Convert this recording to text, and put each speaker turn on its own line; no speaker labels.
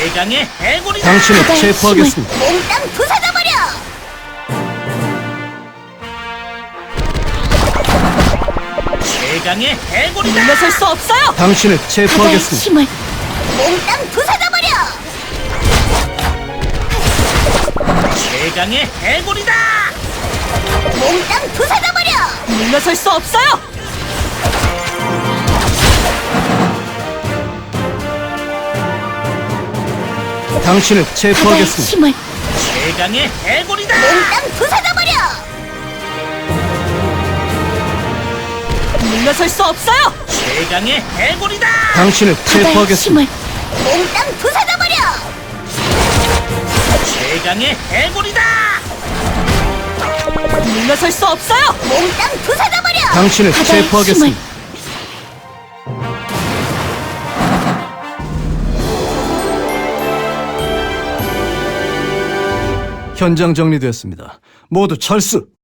최강의 해골이다.
당신을
바다의
체포하겠습니다.
몽땅 부숴져버려!
최강의 해골이다.
물러설 수 없어요.
당신을
바다의
체포하겠습니다.
힘을
몽땅 부숴져버려!
최강의 해골이다.
몽땅 부숴져버려!
물러설 수 없어요.
당신을
바다의
체포하겠습니다.
힘을
최강의 해골이다.
몽땅 부숴져버려!
물러설 수 없어요.
최강의 해골이다.
당신을
바다의
체포하겠습니다.
힘을
몽땅 부숴져버려!
최강의 해골이다.
물러설 수 없어요.
몽땅 부숴져버려!
당신을
바다의
체포하겠습니다. 현장 정리되었습니다. 모두 철수!